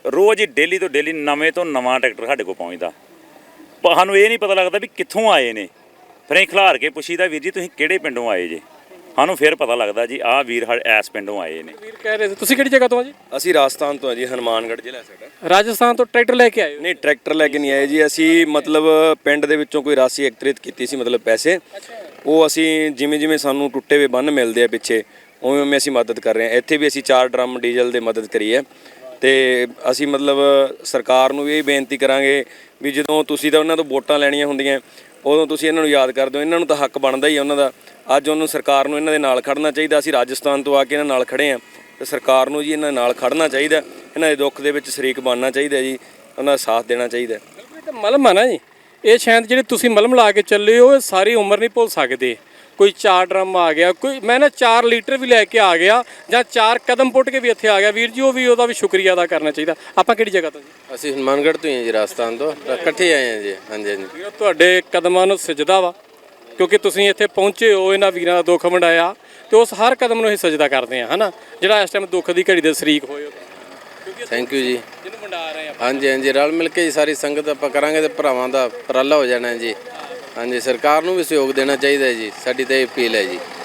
ਰੋਜ਼ ਹੀ daily ਤੋਂ daily ਨਵੇਂ ਤੋਂ ਨਵਾਂ ਟਰੈਕਟਰ ਸਾਡੇ ਕੋਲ ਪਹੁੰਚਦਾ, ਪਰ ਸਾਨੂੰ ਇਹ ਨਹੀਂ ਪਤਾ ਲੱਗਦਾ ਵੀ ਕਿੱਥੋਂ ਆਏ ਨੇ। ਫਿਰ ਅਸੀਂ ਖਿਲਾਰ ਕੇ ਪੁੱਛੀਦਾ, ਵੀਰ ਜੀ ਤੁਸੀਂ ਕਿਹੜੇ ਪਿੰਡੋਂ ਆਏ ਜੇ? ਸਾਨੂੰ ਫਿਰ ਪਤਾ ਲੱਗਦਾ ਜੀ ਆਹ ਵੀਰ ਐਸ ਪਿੰਡੋਂ ਆਏ ਨੇ। ਵੀਰ ਕਹਿ ਰਹੇ ਸੀ ਤੁਸੀਂ ਕਿਹੜੀ ਜਗ੍ਹਾ ਤੋਂ ਆ ਜੀ? ਅਸੀਂ ਰਾਜਸਥਾਨ ਤੋਂ ਆ ਜੀ, ਹਨੂਮਾਨਗੜ੍ਹ ਜ਼ਿਲ੍ਹਾ ਸਾਡਾ। ਰਾਜਸਥਾਨ ਤੋਂ ਟਰੈਕਟਰ ਲੈ ਕੇ ਆਏ ਹੋ? ਨਹੀਂ, ਟਰੈਕਟਰ ਲੈ ਕੇ ਨਹੀਂ ਆਏ ਜੀ ਅਸੀਂ, ਮਤਲਬ ਪਿੰਡ ਦੇ ਵਿੱਚੋਂ ਕੋਈ ਰਾਸ਼ੀ ਇਕੱਤਰਿਤ ਕੀਤੀ ਸੀ, ਮਤਲਬ ਪੈਸੇ। ਉਹ ਅਸੀਂ ਜਿਵੇਂ ਜਿਵੇਂ ਸਾਨੂੰ ਟੁੱਟੇ ਹੋਏ ਬੰਨ ਮਿਲਦੇ ਆ ਪਿੱਛੇ, ਉਵੇਂ ਉਵੇਂ ਅਸੀਂ ਮਦਦ ਕਰ ਰਹੇ ਹਾਂ। ਇੱਥੇ ਵੀ ਅਸੀਂ 4 ਡਰਮ ਡੀਜ਼ਲ ਦੇ ਮਦਦ ਕਰੀ ਹੈ। ਤੇ ਅਸੀਂ ਮਤਲਬ ਸਰਕਾਰ ਨੂੰ ਵੀ ਇਹ ਬੇਨਤੀ ਕਰਾਂਗੇ ਵੀ ਜਦੋਂ ਤੁਸੀਂ ਤਾਂ ਉਹਨਾਂ ਤੋਂ ਵੋਟਾਂ ਲੈਣੀਆਂ ਹੁੰਦੀਆਂ ਉਦੋਂ ਤੁਸੀਂ ਇਹਨਾਂ ਨੂੰ ਯਾਦ ਕਰਦੇ ਹੋ, ਇਹਨਾਂ ਨੂੰ ਤਾਂ ਹੱਕ ਬਣਦਾ ਹੀ ਆ ਉਹਨਾਂ ਦਾ। ਅੱਜ ਉਹਨੂੰ ਸਰਕਾਰ ਨੂੰ ਇਹਨਾਂ ਦੇ ਨਾਲ ਖੜਨਾ ਚਾਹੀਦਾ। ਅਸੀਂ ਰਾਜਸਥਾਨ ਤੋਂ ਆ ਕੇ ਇਹਨਾਂ ਨਾਲ ਖੜੇ ਹਾਂ ਤੇ ਸਰਕਾਰ ਨੂੰ ਜੀ ਇਹਨਾਂ ਨਾਲ ਖੜਨਾ ਚਾਹੀਦਾ, ਇਹਨਾਂ ਦੇ ਦੁੱਖ ਦੇ ਵਿੱਚ ਸ਼ਰੀਕ ਬਣਨਾ ਚਾਹੀਦਾ ਜੀ, ਉਹਨਾਂ ਦਾ ਸਾਥ ਦੇਣਾ ਚਾਹੀਦਾ। ਇਹ ਤਾਂ ਮਲਮ ਆ ਨਾ ਜੀ, ਇਹ ਸ਼ਾਇਦ ਜਿਹੜੇ ਤੁਸੀਂ ਮਲਮ ਲਾ ਕੇ ਚੱਲੇ ਹੋ ਇਹ ਸਾਰੀ ਉਮਰ ਨਹੀਂ ਭੁੱਲ ਸਕਦੇ। ਕੋਈ 4 ਡਰਮ ਆ ਗਿਆ, ਕੋਈ ਮੈਂ ਨਾ 4 ਲੀਟਰ ਵੀ ਲੈ ਕੇ ਆ ਗਿਆ, ਜਾਂ 4 ਕਦਮ ਪੁੱਟ ਕੇ ਵੀ ਇੱਥੇ ਆ ਗਿਆ, ਵੀਰ ਜੀ ਉਹ ਵੀ ਉਹਦਾ ਵੀ ਸ਼ੁਕਰੀਆ ਅਦਾ ਕਰਨਾ ਚਾਹੀਦਾ। ਆਪਾਂ ਕਿਹੜੀ ਜਗ੍ਹਾ ਤੋਂ ਜੀ? ਅਸੀਂ ਹਨੂਮਾਨਗੜ੍ਹ ਤੋਂ ਹੀ ਹਾਂ ਜੀ, ਰਾਜਸਥਾਨ ਤੋਂ ਇਕੱਠੇ ਆਏ ਹਾਂ ਜੀ। ਹਾਂਜੀ ਹਾਂਜੀ ਵੀਰੋ ਤੁਹਾਡੇ ਕਦਮਾਂ ਨੂੰ ਸਜਦਾ ਵਾ, ਕਿਉਂਕਿ ਤੁਸੀਂ ਇੱਥੇ ਪਹੁੰਚੇ ਹੋ, ਇਹਨਾਂ ਵੀਰਾਂ ਦਾ ਦੁੱਖ ਵੰਡਾਇਆ, ਤੇ ਉਸ ਹਰ ਕਦਮ ਨੂੰ ਅਸੀਂ ਸਜਦਾ ਕਰਦੇ ਹਾਂ, ਹਨਾ, ਜਿਹੜਾ ਇਸ ਟਾਈਮ ਦੁੱਖ ਦੀ ਘੜੀ ਦੇ ਸ਼ਰੀਕ ਹੋਏ ਹੋ। ਥੈਂਕ ਯੂ ਜੀ। ਜਿਹਨੂੰ ਵੰਡਾ ਰਹੇ ਆਪਾਂ। ਹਾਂਜੀ ਹਾਂਜੀ, ਰਲ ਮਿਲ ਕੇ ਜੀ ਸਾਰੀ ਸੰਗਤ ਆਪਾਂ ਕਰਾਂਗੇ ਤੇ ਭਰਾਵਾਂ ਦਾ ਉਪਰਾਲਾ ਹੋ ਜਾਣਾ ਜੀ। ਹਾਂਜੀ, ਸਰਕਾਰ ਨੂੰ ਵੀ ਸਹਿਯੋਗ ਦੇਣਾ ਚਾਹੀਦਾ ਜੀ, ਸਾਡੀ ਤਾਂ ਇਹ ਅਪੀਲ ਹੈ ਜੀ।